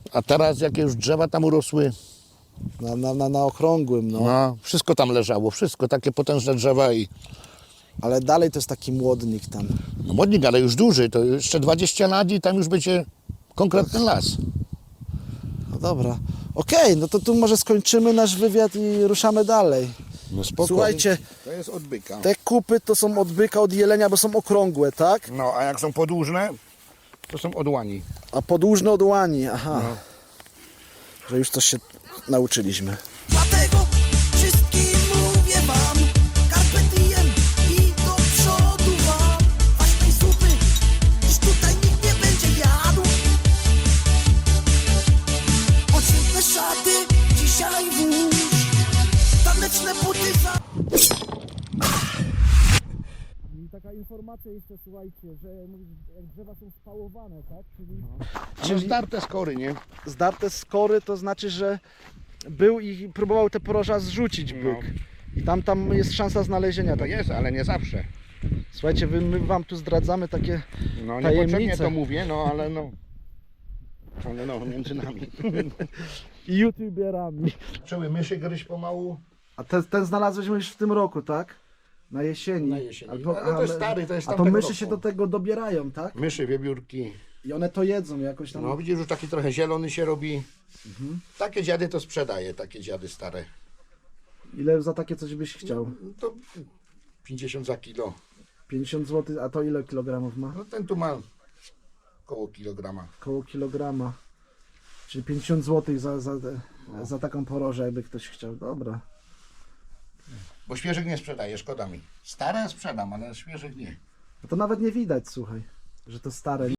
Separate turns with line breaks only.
A teraz jakie już drzewa tam urosły,
Na okrągłym, no.
no, wszystko tam leżało, wszystko, takie potężne drzewa i
Ale dalej to jest taki młodnik tam.
no, modnik, ale już duży, to jeszcze 20 lat i tam już będzie konkretny las.
No dobra. Okej, no to tu może skończymy nasz wywiad i ruszamy dalej.
No spoko.
Słuchajcie,
To jest od byka.
te kupy to są od byka, od jelenia, bo są okrągłe, tak?
No, a jak są podłużne, to są od łani.
A podłużne od łani, aha. Że już coś się nauczyliśmy.
Dlatego wszystkim mówię wam, carpe diem i do przodu wam. Kwaśnej zupy już tutaj nikt nie będzie jadł. Odświetne szaty dzisiaj włóż, taneczne buty za...
I taka informacja jeszcze, słuchajcie, że jak drzewa są spałowane, tak?
Czyli zdarte skory, nie?
Zdarte skory to znaczy, że był i próbował te poroża zrzucić byk. I tam jest szansa znalezienia.
To
Tak.
jest, ale nie zawsze.
Słuchajcie, my wam tu zdradzamy takie
No niepotrzebnie
tajemnice.
to mówię, no ale no. Ale no, między nami.
I youtuberami.
Zaczęły myszy gryźć pomału.
A ten znalazłeś już w tym roku, tak? Na jesieni.
Na jesieni. Ale to jest stary, to jest
A to
tamtego
myszy
roku.
się do tego dobierają, tak?
Myszy, wiewiórki.
I one to jedzą jakoś tam.
No widzisz, już taki trochę zielony się robi. Takie dziady to sprzedaje, takie dziady stare.
Ile za takie coś byś chciał?
To 50 za kilo.
50 zł, a to ile kilogramów ma?
No ten tu ma koło kilograma.
Koło kilograma. Czyli 50 zł za taką porożę, jakby ktoś chciał. Dobra.
Bo świeżych nie sprzedaję, szkoda mi. Stare sprzedam, ale świeżych nie.
No to nawet nie widać, słuchaj, że to stare.